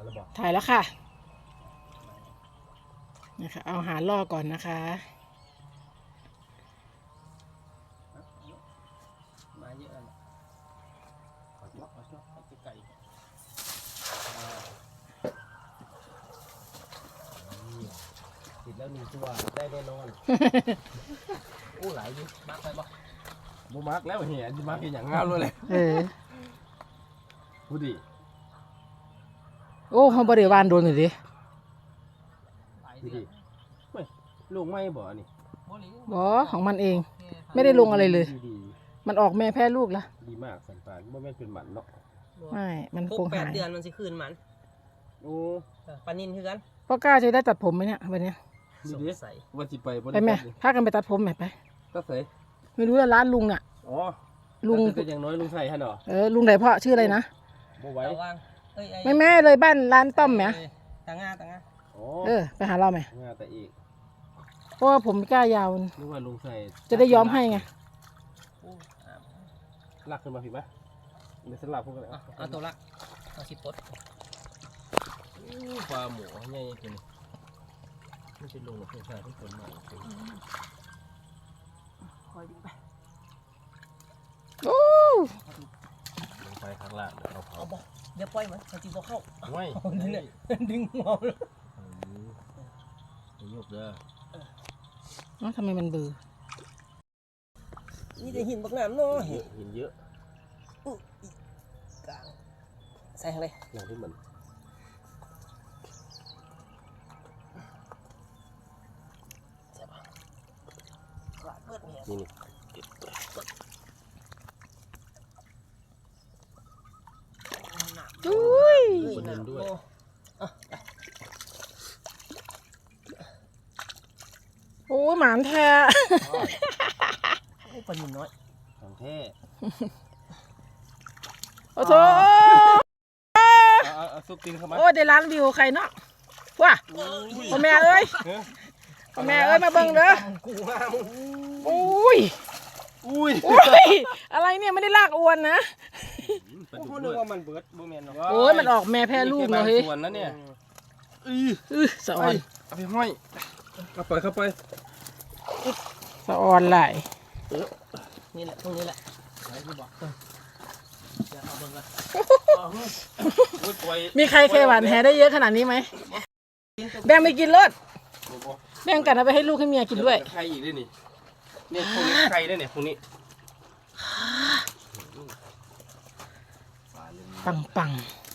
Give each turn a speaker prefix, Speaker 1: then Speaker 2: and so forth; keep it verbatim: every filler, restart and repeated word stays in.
Speaker 1: ถ่ายแล้วค่ะนะคะเอาหาล่อก่อนนะคะ
Speaker 2: มาเยอะแล้วขอชอบขอชอบไก่ติดแล้วหนึ่งตัวได้แน่นอนโอ้หลายดิมาร์กไปบ่บ่มาร์กแล้วเหี้ยจะมาร์กอย่างงามเลย
Speaker 1: เออ
Speaker 2: พูดดิ
Speaker 1: โอ้เขาบริวารโดนหน่อยดิ
Speaker 2: พูดดิไม่ลูกไม่บ่นี่
Speaker 1: บอของมันเองไม่ได้ลงอะไรเลยมันออกแม่แพ้ลูกละ
Speaker 2: ดีมากสันปานว่าแม่เป็นหมันเนาะ
Speaker 1: ไม่มันคงหาย
Speaker 3: แปดเดือนมันสิคืนมัน
Speaker 2: โอ้
Speaker 3: ปานินคือกัน
Speaker 1: พ่อกล้าจะได้ตัดผมไหมเนี่ยวันนี้
Speaker 2: สงสัยว่าจิไป
Speaker 1: ไปไหมพากันไปตัดผมไหมไป
Speaker 2: ก็ใส่
Speaker 1: ไม่รู้ว่าร้านลุงอ่ะ
Speaker 2: อ๋อ
Speaker 1: ลุง
Speaker 2: ก็อย่างน้อยลุงไทยฮะเนาะ
Speaker 1: เออลุงไหนพ่อชื่ออะไรนะ
Speaker 2: บ่ไหว
Speaker 1: ไม่แม่เลยบ้านร้านต้อมไหม
Speaker 3: ตางาตางา
Speaker 1: เออไปหาเราไหม
Speaker 2: งาแต่อีก
Speaker 1: เพราะว่าผมกล้ายาว
Speaker 2: นึกว่าลุงใส่
Speaker 1: จะได้ย้อมให้ไง
Speaker 2: ลากขึ้นมาผิดไหมเดี๋ยวสลับพวกกัน
Speaker 3: เอาตัวละเอาสิบปด
Speaker 2: ปลาหมูใหญ่จริงไม่ใช่ลุงหรอกเพื่อนชายทุกคนมา
Speaker 1: คอยดูไปโอ้
Speaker 2: ลงไปข้างล่างเดี๋ยวเราเผา
Speaker 3: เดี๋ยวปล่อยมันมันจีบเข้า
Speaker 2: ไม่
Speaker 3: เนี่ยดึงหัวเลย
Speaker 2: ยกเด้อ
Speaker 1: เนาะทำไมมันเบื่อ
Speaker 3: นี่จะหินบักน้ำเนาะ
Speaker 2: หินเยอะ
Speaker 3: กลางใส่อะไร
Speaker 2: อย่างที่เหมือนนี่
Speaker 1: นี่อุ้ย
Speaker 2: คนนึงด้วย
Speaker 1: โอ้หมานแท้
Speaker 3: โอ้ปนินน้อย
Speaker 2: ของแท้
Speaker 1: โอ้โห
Speaker 2: เอาซุปตีนเข้ามา
Speaker 1: โอ้ได้ล้านวิวใครเนาะว้าพ่อแม่เอ้ยพ่อแม่เอ้ยมาเบิ่งเด้ออุ้ย
Speaker 2: อุ้ย
Speaker 1: อุ้ยอะไรเนี่ยไม่ได้ลากอวนนะ
Speaker 2: พูดว่ามันเบิร์ดบูแมนเนาะ
Speaker 1: โอ้ยมันออกแม่แพ้ลูกเลย
Speaker 2: ส่วนนั้นเนี่ย
Speaker 1: อือสะออน
Speaker 2: เอาไปห้อยเข้าไปเข้าไป
Speaker 1: สะออนไหล
Speaker 3: นี่แหละตรงนี้แหละไหนที่บอกจะเอาเบิ่งกัน
Speaker 1: มีใครเคยหวานแหได้เยอะขนาดนี้ไหมแบ่งไปกินรถแบ่งกันเอาไปให้ลูกให้เมียกินด้วย
Speaker 2: ใครอีกด้วยนี่เนี่ยพวกนี้ใครได้เนี่ยพวกนี้
Speaker 1: ปังปัง